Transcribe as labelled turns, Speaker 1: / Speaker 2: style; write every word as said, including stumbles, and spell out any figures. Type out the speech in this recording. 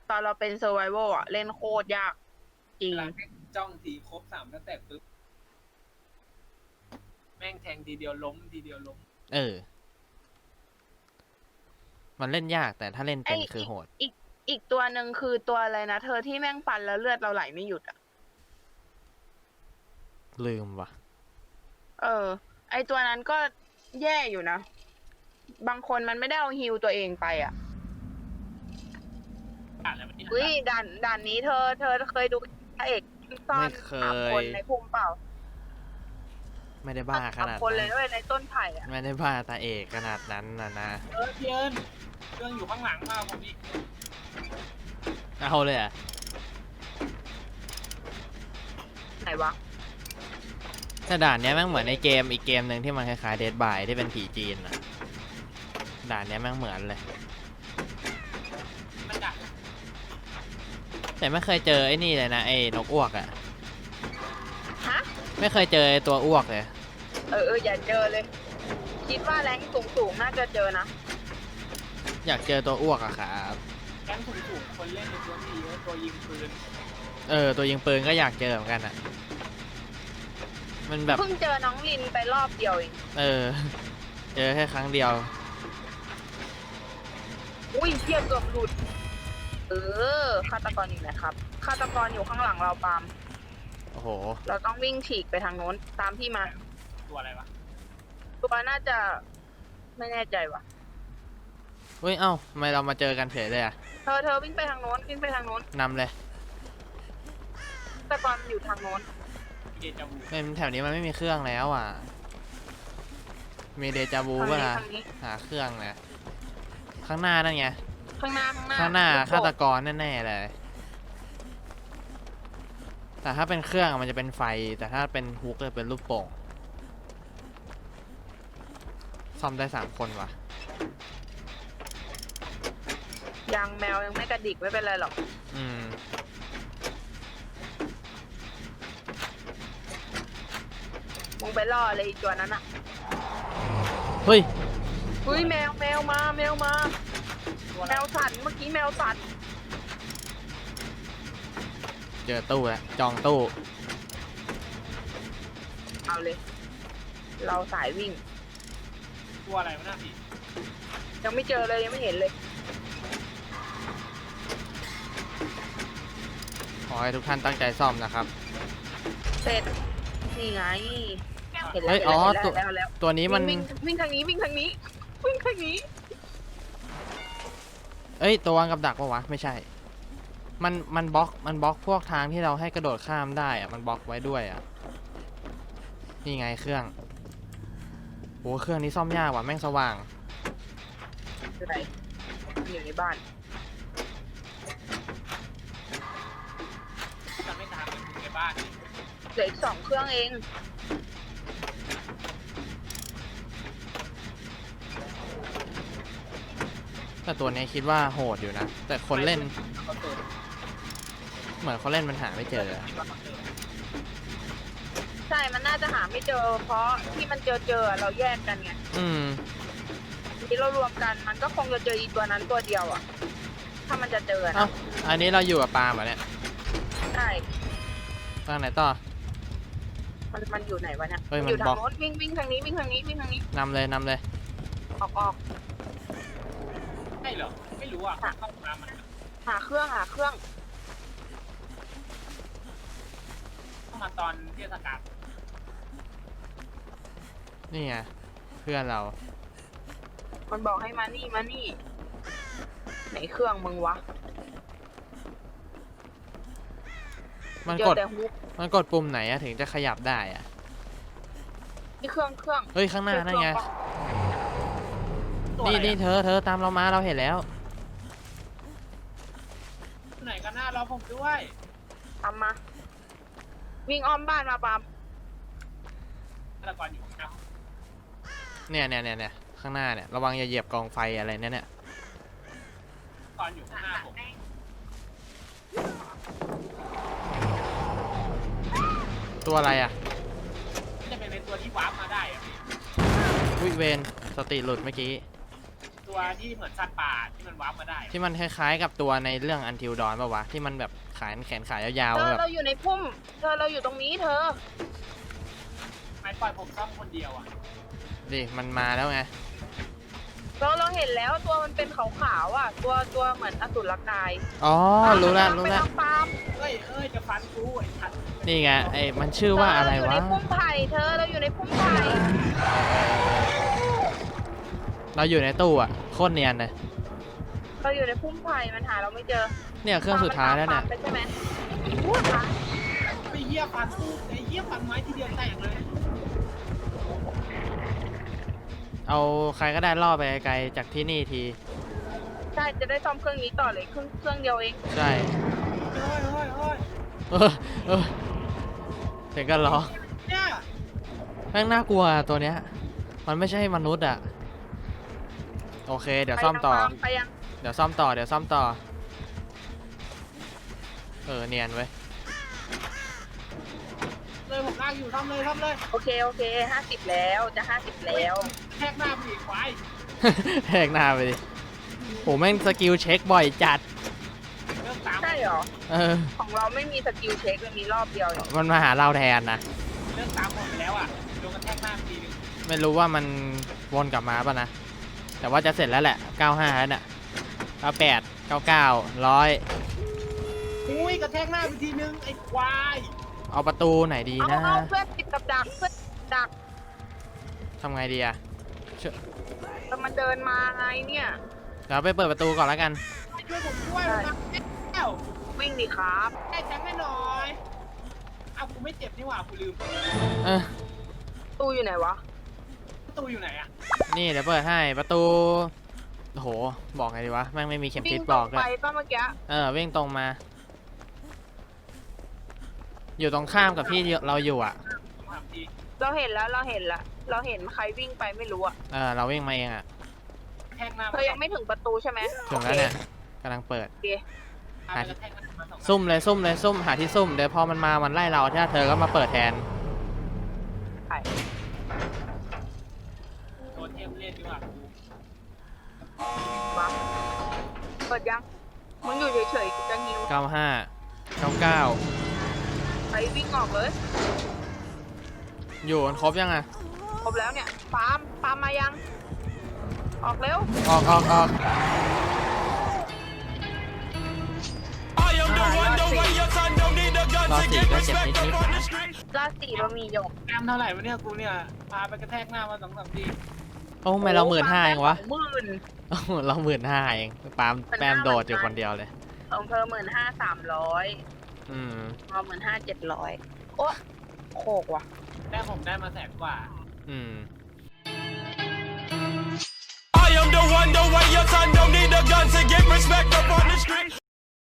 Speaker 1: ตอนเราเป็นเซอร์ไวโวอ่ะเล่นโคตรยากจริง
Speaker 2: เวลาแม่งจ้องทีครบสามตั้งแต่ปุ๊บแม่งแทงทีเดียวล้มทีเดียวล้ม
Speaker 3: เออมันเล่นยากแต่ถ้าเล่นเป็นคือโหด
Speaker 1: อีกอีกตัวหนึ่งคือตัวอะไรนะเธอที่แม่งฟันแล้วเลือดเราไหลไม่หยุดอ่ะ
Speaker 3: ลืมว่ะ
Speaker 1: เออไอตัวนั้นก็แย่อยู่นะบางคนมันไม่ได้เอาฮิวตัวเองไปอ่ะอุ้ยด่านด่านนี้เธอเธอเคยดูพระเอกซ่อนสามคนในพุ่มเปล่า
Speaker 3: ไม่ได้บ้าขนาด
Speaker 1: คนเลยด้วยในต้นไผ่อ่ะ
Speaker 3: ไม่ได้บ้าตาเอกขนาดนั้นนะนะ
Speaker 2: เออเพียนเครื่องอยู่ข้างหลังมากผมอีก
Speaker 3: เอาเลยอ่ะ
Speaker 1: ไหนวะ
Speaker 3: แต่ด่านนี้แม่งเหมือนในเกมอีกเกมหนึ่งที่มันคล้ายๆเดดบายที่เป็นผีจีนอ่ะด่านนี้แม่งเหมือนเลยแต่ไม่เคยเจอไอ้นี่เลยนะไอ้นกอ้วกอ่ะ
Speaker 1: ฮะ
Speaker 3: ไม่เคยเจอไอ้ตัวอ้วกเลย
Speaker 1: เออเอออย่าเจอเลยคิดว่าแรงสูงสูงน่าจะเจอนะ
Speaker 3: อยากเจอตัวอ้วกอะครับ
Speaker 2: แรงสูงสูงคนเล่นในตัวนี้เยอะตัวยิงปืน
Speaker 3: เออตัวยิงปืนก็อยากเจอเหมือนกันอ่ะมันแบบ
Speaker 1: เพิ่งเจอน้องลินไปรอบเดียวเอง
Speaker 3: เออเจอแค่ครั้งเดียว
Speaker 1: อุ้ยเทียบเกือบหลุดเออฆาตกรอยู่ไหนครับฆาตกรอยู่ข้างหลังเราปาล์ม
Speaker 3: โอ้โห
Speaker 1: เราต้องวิ่งฉีกไปทางโน้นตามพี่มา
Speaker 2: ตัวอะไรวะ
Speaker 1: ตัวน่าจะไม่แน่ใจว่ะ
Speaker 3: เฮ้ยเอ้าทำไมเรามาเจอกันเฉยเลยอ่ะ
Speaker 1: เธอเธอวิ่งไปทางโน้นวิ่งไปทางโน้น
Speaker 3: นำเลย
Speaker 1: ฆาตกรอยู่ทางโน้น
Speaker 3: เป็นแถวนี้มันไม่มีเครื่องแล้วอ่ะมีเดจาวูป่ะล่ะหาเครื่องนะข้างหน้านั่นไง
Speaker 1: ข้างหน้าข้างหน้า
Speaker 3: ข้างหน้าฆาตกรแน่ๆเลยแต่ถ้าเป็นเครื่องมันจะเป็นไฟแต่ถ้าเป็นฮุกจะเป็นลูกโป่งซ่อมได้สามคนว่ะ
Speaker 1: ยังแมวยังไม่กระดิกไม่เป็นไรหรอก
Speaker 3: อืม
Speaker 1: มึงไปล่อเลยอีกตัวนั้นอ่ะ
Speaker 3: เฮ้ย
Speaker 1: เฮ้ยแมวแมวมาแมวมาแมวสั่นเมื่อกี้แมวสั่น
Speaker 3: เจอตู้แล้วจองตู้
Speaker 1: เอาเลยเราสายวิ่ง
Speaker 2: ตัวอะไรวะน่าพี่
Speaker 1: ยังไม่เจอเลยยังไม่เห็นเลย
Speaker 3: ขอให้ทุกท่านตั้งใจซ่อมนะครับ
Speaker 1: เสร็จนี่ไง
Speaker 3: เห็นแล้วอ๋อตัวตัวนี้มัน
Speaker 1: วิ่งทางนี้วิ่งทางนี้วิ่งทางนี้
Speaker 3: เอ้ยตัววางกับดักปะวะไม่ใช่มันมันบล็อกมันบล็อกพวกทางที่เราให้กระโดดข้ามได้อะมันบล็อกไว้ด้วยอะนี่ไงเครื่องโอ้เครื่องนี้ซ่อมยากว่ะแม่งสว่าง
Speaker 1: คืออะไรอยู่ในบ้าน
Speaker 2: จะไม่ทำอยู่ในบ้าน
Speaker 1: เหลืออีกสองเครื่องเอง
Speaker 3: แต่ตัวนี้คิดว่าโหดอยู่นะแต่คนเล่นเหมือนเขาเล่นมันหาไม่เจอ
Speaker 1: ใช่มันน่าจะหาไม่เจอเพราะที่มันเจอเจอเราแยกกันไง
Speaker 3: อืม
Speaker 1: ที่เรารวมกันมันก็คงจะเจออีตัวนั้นตัวเดียวอ่ะถ้ามันจะเจอนะ
Speaker 3: อันนี้เราอยู่กับปาล์มเหรอเนี่ย
Speaker 1: ใช่
Speaker 3: ทางไหนต่อ
Speaker 1: มันมันอยู่ไหนวะเนี่ย
Speaker 3: อยู่
Speaker 1: ทางโน้นวิ่งวิ่งทางนี้วิ่งทางนี้วิ่งทางนี้
Speaker 3: นำเลยนำเลย
Speaker 1: ออกออก
Speaker 2: ใช่เหรอไม่รู้อ่ะเข้ามามัน
Speaker 1: หาเครื่องหาเครื่อง
Speaker 2: เข้ามาตอนเทศกาล
Speaker 3: นี่ไงเพื่อนเรา
Speaker 1: มันบอกให้มานี่มานี่ไหนเครื่องมึงวะ
Speaker 3: มันกดมันกดปุ่มไหนอะถึงจะขยับได้อะ
Speaker 1: นี่เครื่องเครื่อง
Speaker 3: เฮ้ยข้างหน้านั่นไงนี่นี่เธอเธอตามเรามาเราเห็นแล้ว
Speaker 2: ไหนกันหน้ารอผมด้วย
Speaker 1: ตามมาวิ่งอ้อมบ้านมาปาม
Speaker 2: ฆาตกรอยู่ครับ
Speaker 3: เนี่ยเนี่ยเนี่ยเนี่ยข้างหน้าเนี่ยระวังอย่าเหยียบกองไฟอะไรเนี่ยเนี่ย
Speaker 2: ตอนอยู่ข้างหน้าผม
Speaker 3: ตัวอะไรอ่ะ
Speaker 2: จะเป็นในตัวที่วาร์ปมาได้อ่ะ
Speaker 3: วิเวนสติหลุดเมื่อกี้
Speaker 2: ตัวที่เหมือนสัตว์ป่าที่มันวาร์ปมาได้
Speaker 3: ที่มันคล้ายๆกับตัวในเรื่องอันทิลดอนป่าวะที่มันแบบขายแขนขายยาว
Speaker 1: เธ
Speaker 3: ๆ
Speaker 1: อ
Speaker 3: แบบ
Speaker 1: เราอยู่ในพุ่ม เธอเราอยู่ตรงนี้เธอ
Speaker 2: ไม่ปล่อยผมซ่อมคนเดียวอ่ะ
Speaker 3: ดิมันมาแล้วไง
Speaker 1: เราเราเห็นแล้วตัวมันเป็นขาวๆอ่ะ ตัวตัวเหมือนอสุรกาย
Speaker 3: อ๋อรู้แล้วรู้
Speaker 1: ไป
Speaker 3: แล้ว
Speaker 1: ทางฟาร์ม
Speaker 2: เอ้ยเอ้ยจะฟันกูไอ้ทัน
Speaker 3: นี่ไงไอ้มันชื่อว่าอะไร
Speaker 1: เธ
Speaker 3: วะ
Speaker 1: เราอยู่ในพุ่มไผ่เธอเราอยู่ในพุ่มไผ่
Speaker 3: เราอยู่ในตู้อะโคตรเนียนเลย
Speaker 1: เราอยู่ในพุ่มไผ่มันหาเราไม่เจอ
Speaker 3: เนี่ยเครื่องสุดท้ายแล้วเนี่ย
Speaker 1: ฟาร์มมันตามฟาร์มไปใช่ไหมพูดค่ะ
Speaker 2: ไปเหี้ยฟันกูไอ้เหี้ยฟันไม้ทีเดียวแตกเลย
Speaker 3: เอาใครก็ได้ล่อไปไกลๆจากที่นี่ที
Speaker 1: ใช่จะได้ซ่อมเครื่องนี้ต่อเลยเครื่องเครื่องเดียวเอง
Speaker 3: ใช่
Speaker 2: เฮ้ยเฮ้ยเฮ้ย
Speaker 3: เออเออเสียงกันร้อง
Speaker 2: เนี่ย
Speaker 3: แม่งน่ากลัวตัวเนี้ย มันไม่ใช่มนุษย์อะโอเค เดี๋ยวซ่อมต่อ
Speaker 1: ไปทางฟาร์มไปยัง
Speaker 3: เดี๋ยวซ่อมต่อ เดี๋ยวซ่อมต่อ เออ เนียนเว้ย
Speaker 2: เลยผมลากอยู่ทำเลยทำเลย
Speaker 1: โอเคโอเคห้าสิบแล้วจะห้าสิบแล้ว
Speaker 2: แทกหน้าผีควาย
Speaker 3: แหกหน้าไปดิโหแม่งสกิลเช็คบ่อยจัด
Speaker 2: เรื่องตาม
Speaker 1: ใช่เหรอ
Speaker 3: เออ
Speaker 1: ของเราไม่มีสกิลเช็คมันมีรอบเดียวเอง
Speaker 3: มันมาหาเราแทนนะ
Speaker 2: เรื่องตามหมดไปแล้วอ่ะโดนกระแทกหน้าทีนึง
Speaker 3: ไม่รู้ว่ามันวนกลับมาป่ะนะ แต่ว่าจะเสร็จแล้วแหละ เก้าสิบห้า แล้วเนี่ยเก้าสิบแปด เก้าสิบเก้า หนึ่งร้อย
Speaker 2: อุ้ยกระแทกหน้าไปทีนึงไอ้ควาย
Speaker 3: เอาประตูไหนดี
Speaker 1: เอา
Speaker 3: นะ
Speaker 1: เอาเพื่อนติดกับดักเพื่อนดัก
Speaker 3: ทำไงดีอะ
Speaker 1: แต่มันเดินมาไงเนี่ย
Speaker 3: เดี๋ยวไปเปิดประตูก่อนแล้วกัน
Speaker 2: ช่วยผมด้วยนะแก้ว
Speaker 1: วิ่งดิครับ
Speaker 2: แก้แทงให้หน่อยอ้าวกูไม่เจ็บนี่หว่ากูลืม
Speaker 3: เออ
Speaker 1: ตู้อยู่ไหนวะ
Speaker 2: ประตูอยู่ไหนอ่ะ
Speaker 3: นี่เดี๋ยวเปิดให้ ประตู โอ้โห บอกไงดีวะ แม่งไม่มีเข็ม
Speaker 1: วิ่
Speaker 3: ทิ
Speaker 1: ง
Speaker 3: ศ
Speaker 1: ต
Speaker 3: บ
Speaker 1: ร
Speaker 3: อง กด้ว
Speaker 1: ไป
Speaker 3: ย
Speaker 1: ป้าเมื่อกี้
Speaker 3: เออ วิ่งตรงมา อยู่ตรงข้ามกับที่เราอยู่อ่ะ
Speaker 2: ผมถามที
Speaker 1: เราเห็นแล้วเราเห็นละเราเห็นใครวิ่งไปไม่รู้อะ
Speaker 3: เออ เราวิ่งมาเองอ่ะ
Speaker 2: กระแทกหน้า
Speaker 1: เธอยังไม่ถึงประตูใช่ไหม
Speaker 3: ถึงแล้วเนี่ยกำลังเปิด
Speaker 1: โอเค
Speaker 2: พาไปกระแทกหน้ามาสอง
Speaker 3: ซุ่มเลยซุ่มเลยซุ่มหาที่ซุ่ม เดี๋ยวพอมันมา มันไล่เราถ้าเธอก็มาเปิดแทน
Speaker 1: ไป
Speaker 2: โดนเทมเล่นดีกว่ากู
Speaker 1: มาเปิดยังมึงอยู่เฉยๆกูจะงิว
Speaker 3: เก้าห้า เก้าเก้า
Speaker 1: ไปวิ่งออกเลย
Speaker 3: อยู่กันครบยังอ่ะ
Speaker 1: ครบแล้วเนี่ยฟาร์มฟาร์มมายัง ออกเร็ว
Speaker 3: ออกออกออก รอสี่ก็เจ็บนิดนิดนะ
Speaker 1: ลาดสี่เรามีหยก
Speaker 2: แอมเท่าไหร่วะเนี่ยกูเนี่ยพาไปกระแทกหน้ามาสองสามที
Speaker 3: โอ้ทำไมเราหมื่นห้าเองวะ
Speaker 1: หมื่น
Speaker 3: โอ้โหเราหมื่นห้าเองปาล์มแปมโดดอยู่คนเดียวเลย
Speaker 1: ของเธอหมื่นห้าสามร้อย
Speaker 3: อืม
Speaker 1: เราหมื่นห้าเจ็ดร้อยโอ้โคกว่ะ
Speaker 2: ได้ผมได้มาแสนกว่า
Speaker 3: อืม